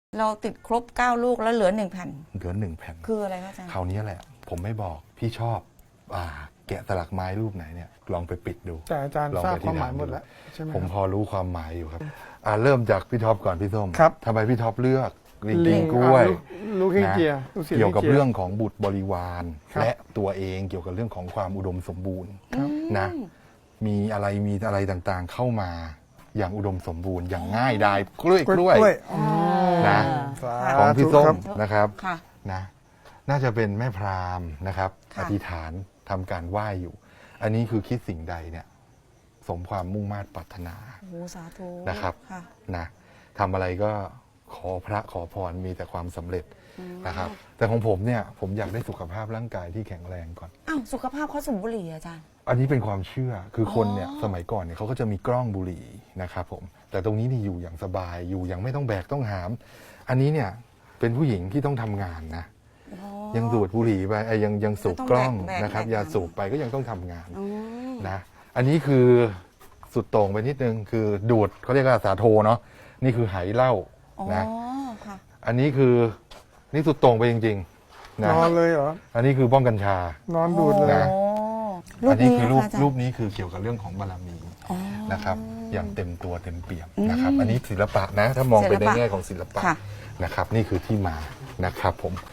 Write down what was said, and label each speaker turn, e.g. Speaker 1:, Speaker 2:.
Speaker 1: เราติดครบ9ลูกแล้วเหลือ1แผ่น
Speaker 2: เหลือ1แผ่น
Speaker 1: คืออะไรคะอาจารย์
Speaker 2: คราวนี้แหละผมไม่บอกพี่ชอบแกะสลักไม้รูปไหนเนี่ยลองไปปิดดู
Speaker 3: แต่อาจารย์
Speaker 2: ลอง
Speaker 3: ทราบ
Speaker 2: ไป
Speaker 3: ความหมาย
Speaker 2: ที่
Speaker 3: หมดแล้วใช่ไหม
Speaker 2: ผมพอรู้ความหมายอยู่ครับเริ่มจากพี่ท็อปก่อนพี่ส้ม
Speaker 3: ครับ
Speaker 2: ทำไมพี่ท็อปเลือกลิง
Speaker 3: ลิ
Speaker 2: กิ
Speaker 3: ง
Speaker 2: งกล้วย
Speaker 3: ลูกเฮง
Speaker 2: นะ
Speaker 3: เจียลูกศิษ
Speaker 2: เกี่ยวกับ
Speaker 3: ฮจี
Speaker 2: เรื่องของบุตรบริวาร
Speaker 3: ครับ
Speaker 2: และตัวเองเกี่ยวกับเรื่องของความอุดมสมบูรณ์นะมีอะไรต่างๆเข้ามาอย่างอุดมสมบูรณ์อย่างง่ายดายกล้วยนะ
Speaker 3: สา
Speaker 2: ของพี่
Speaker 3: ธุ
Speaker 2: ส้
Speaker 3: ครั
Speaker 2: ม
Speaker 3: บ
Speaker 2: นะครับ
Speaker 1: ค่ะ
Speaker 2: นะน่าจะเป็นแม่พราหมณ์นะครับ
Speaker 1: ค่ะ
Speaker 2: อธิษฐานทำการไหว้อยู่ อันนี้คือคิดสิ่งใดเนี่ยสมความมุ่งมา่ปรารถนา
Speaker 1: โอ้สาธุ
Speaker 2: นะครับ
Speaker 1: ค่ะ
Speaker 2: นะทำอะไรก็ขอพระขอพรมีแต่ความสำเร็จนะครับ แต่ของผมเนี่ยผมอยากได้สุขภาพร่างกายที่แข็งแรงก่อน
Speaker 1: อ้าวสุขภาพเขาสูบบุหรี่อาจารย์
Speaker 2: อันนี้เป็นความเชื่อคือคนเนี่ยสมัยก่อนเนี่ยเขาก็จะมีกล้องบุหรี่นะครับผมแต่ตรงนี้นี่อยู่อย่างสบายอยู่อย่างไม่ต้องแบกต้องหาม อันนี้เนี่ยเป็นผู้หญิงที่ต้องทำงานนะยังสูบบุหรี่ไปยังสูบกล้อง
Speaker 1: แบก
Speaker 2: นะครับ
Speaker 1: แบก
Speaker 2: ยาสูบไปก็ยังต้องทำงาน
Speaker 1: อืม
Speaker 2: นะอันนี้คือสุดโต่งไปนิดนึงคือดูดเขาเรียกว่าสาโทเนาะนี่คือไหเหล้า
Speaker 1: อ๋อ
Speaker 2: นะ
Speaker 1: ค่ะ
Speaker 2: อันนี้คือนี่สุดโต่งไปจริงๆนะ
Speaker 3: นอนเลยเหรอ
Speaker 2: อันนี้คือบ้องกัญชา
Speaker 3: นอนดูดเลย
Speaker 2: นะ
Speaker 1: โอ้รู
Speaker 2: อั
Speaker 1: ป
Speaker 2: นนี้
Speaker 1: นี้
Speaker 2: คือ
Speaker 1: นะ
Speaker 2: รูป
Speaker 1: คะอาจารย์
Speaker 2: รูปนี้คือเกี่ยวกับเรื่องของบารมี
Speaker 1: อ๋อ
Speaker 2: นะครับ อย่างเต็มตัวเต็มเปี่ยมนะครับ อันนี้ศิลปะนะ ถ้ามองไปในแง่ของศิลปะ
Speaker 1: ค่ะ
Speaker 2: นะครับ นี่คือที่มานะครับผม